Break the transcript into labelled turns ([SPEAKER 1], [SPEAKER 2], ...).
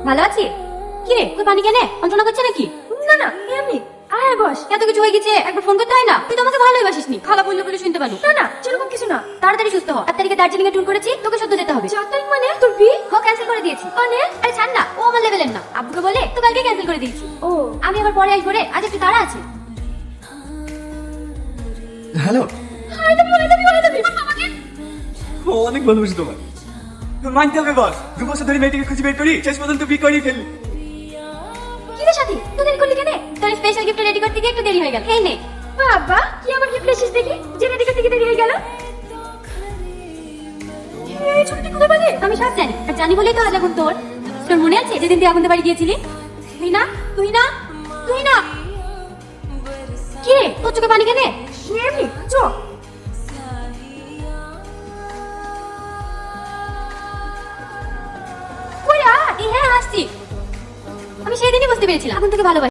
[SPEAKER 1] ভালো আছি। কি রে, তুই পানি কেনে যন্ত্রণা করছে নাকি?
[SPEAKER 2] না না এমনি। আয় বস।
[SPEAKER 1] এত কিছু হয়ে গেছে, একবার ফোন করতে হয় না? তুই তো আমাকে ভালোই বাসিসনি, খালা বললো বলে শুনতে পারলো।
[SPEAKER 2] না না সেরকম কিছু না।
[SPEAKER 1] তাড়াতাড়ি সুস্থ হ। 8 তারিখে দার্জিলিং এ ট্যুর করেছি, তোকে সদ্য যেতে হবে।
[SPEAKER 2] 4 তারিখ মানে তোর বিয়ে?
[SPEAKER 1] ও ক্যান্সেল করে দিয়েছি।
[SPEAKER 2] মানে?
[SPEAKER 1] আরে ছাড় না, ও আমার লেভেলের না। আব্বুকে বলে তো কালকে ক্যান্সেল করে দিয়েছি।
[SPEAKER 2] ও
[SPEAKER 1] আমি আবার পরে আসবো রে, আজ একটু তাড়া আছে।
[SPEAKER 3] হ্যালো।
[SPEAKER 2] আই লাভ ইউ আমাকে।
[SPEAKER 3] অনেক ভালোবাসি তোমার। মানতে হবে বস, 2 বছর ধরে মেয়েটিকে খুঁজে বের করি, শেষ পর্যন্ত বিয়ে করেই ফেললি।
[SPEAKER 1] কি রে সাথী, তুই দেরি করলি কেন? তোর স্পেশাল গিফট রেডি করতে গিয়ে একটু দেরি হয়ে গেল। এই নে।
[SPEAKER 2] বাবা কি আমার গিফট এসেছিস দেখি, যে রেডি করতে গিয়ে দেরি হয়ে গেল। এই ছুটি কোথায় পেলি?
[SPEAKER 1] আমি সব জানি, আর জানি বলেই তো আজ এখন তোর। তোর মনে আছে যেদিন তুই আগুনতে বাড়ি গিয়েছিলি? তুই না তুই না তুই না। কি রে, তোর চোখে পানি কেনে?
[SPEAKER 2] এমনি চ।
[SPEAKER 1] কই রা? এই হ্যাঁ আসছি। আমি সেদিনই বুঝতে পেরেছিলাম আগুন থেকে ভালোবাসি।